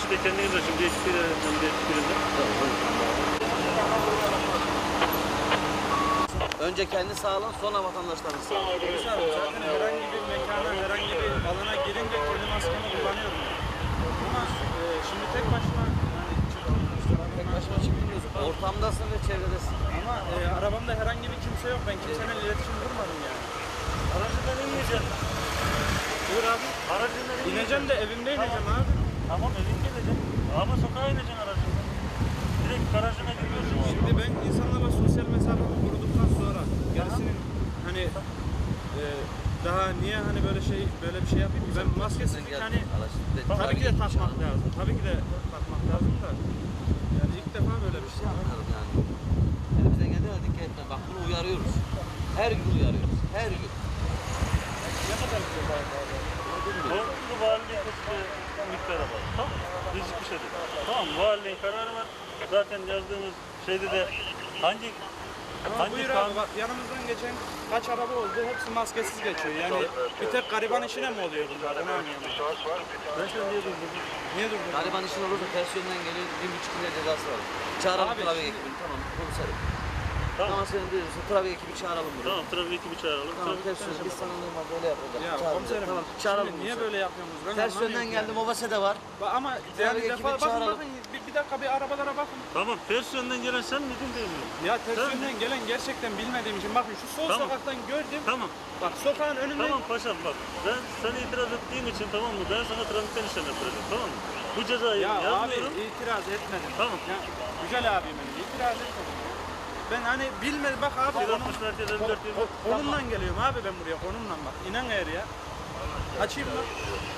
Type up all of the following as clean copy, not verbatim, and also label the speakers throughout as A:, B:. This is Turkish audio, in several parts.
A: üçü de kendiniz açın. Bir ekip birinde.
B: Önce kendi sağlığın, sonra vatandaşların sağlığı.
C: Polis abi zaten herhangi bir mekana, herhangi bir alana girince kendi maskemi kullanıyorum. Ama şimdi tek başıma yani çıktım.
B: Tek başına çıkmıyorsun. Ortamdasın ve çevredesin.
C: Ama arabamda herhangi bir kimse yok. Ben kimseyle iletişim kurmadım yani.
A: Aracından inmeyeceksin.
C: Buyur abi.
A: Aracından
C: İneceğim de evimde ineceğim abi.
A: Tamam evin geleceksin. Ama sokağa ineceksin aracından. Direkt garajına giriyorsun.
C: Şimdi ben insanlarla sosyal mesafemi koruduktan sonra gerisinin hani daha niye hani böyle bir şey yapayım ki? Ben maskesizlik hani tabii ki de takmak lazım. Tabii ki de takmak lazım da yani ilk defa böyle bir şey.
B: Anladım yani. Elimizden geldiğine dikkat etme. Bak bunu uyarıyoruz. Her gün uyarıyoruz. Her gün.
A: Korkulu valiliğin bir miktara var. Tamam. Rizik bir şey değil. Tamam. Valiliğin kararı var. Zaten yazdığımız şeyde de hangi
C: Buyur abi bak yanımızdan geçen kaç araba oldu hepsi maskesiz geçiyor. Yani bir tek gariban işine mi oluyor bunlar? Onu anlayamadım.
A: Ben şöyle niye durdum?
C: Niye durdun?
B: Gariban işin olursa ters yönden geliyor. 1,5 lira cezası var. Çağıralım
C: Abi
B: trafik
C: şimdi-
B: ekibini. Tamam. Komiserim.
A: Tamam.
B: Tamam senin diyorsun. Trafik ekibi çağıralım buraya.
A: Tamam. Trafik ekibi çağıralım.
B: Tamam
A: Trafik
B: ters yönden. Biz sana normalde öyle yapacağız.
C: Ya
B: Çağıralım.
C: komiserim
B: Tamam çağıralım.
C: şimdi niye
B: bunu.
C: böyle yapıyorsunuz? Ben
B: Ters
C: anlamıyorum
B: yönden
C: ki
B: geldim.
C: yani.
B: Obase de var.
C: Ama
B: Trafik
C: yani
B: ekibini
C: defa bakın
B: çağıralım.
C: bakın bir dakika bir arabalara bakın.
A: Tamam. Ters yönden gelen sen miydin değil mi?
C: Ya ters
A: Tamam.
C: yönden gelen gerçekten bilmediğim için bakın şu sol
A: Tamam.
C: sokaktan gördüm.
A: Tamam.
C: Bak sokağın önünde.
A: Tamam paşam bak. Ben sana itiraz ettiğim için tamam mı? Ben sana trafikten işlem yaptıracağım. Tamam mı? Bu cezayı
C: Ya abi
A: yazmıyorum.
C: itiraz etmedim.
A: Tamam.
C: Ya, güzel abim benim itiraz etmedim. Ben hani bilmedim bak abi
A: 160 merkez 54
C: konumdan geliyorum abi ben buraya konumdan bak. İnan eğer ya. Açayım mı?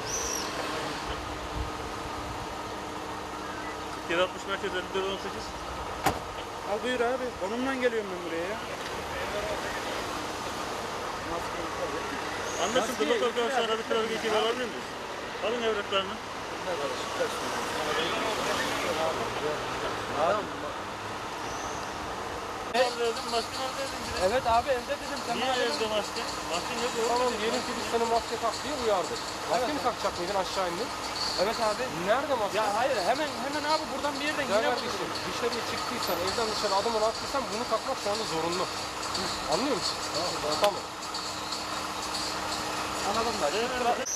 A: 160 merkez 54 18.
C: Al buyur abi. Konumdan geliyorum ben buraya ya.
A: Anlaşıldı.
C: Maskeye
A: Lokal
C: itiraz
A: karşılara bir trafik
C: etmedim
A: ekibi
C: ya.
A: alabilir miyiz? Alın evraklarını.
B: Tamam.
A: Neredeydin? Maske neredeydin?
C: Evet abi evde dedim. Sen
A: Niye
C: bana dedin.
A: evde maske? Maske yok.
D: Tamam diyelim ki biz seni maske tak diye uyardık. Maske mi takacak mıydın aşağı indin?
C: Evet abi.
D: Nerede maske?
C: Ya hayır hemen abi buradan bir yerden
D: Ya
C: yine
D: kardeşim dışarıya çıktıysan, evden dışarı adımını attıysan bunu takmak şu anda zorunlu. Anlıyor musun? Tamam.
C: anladım da.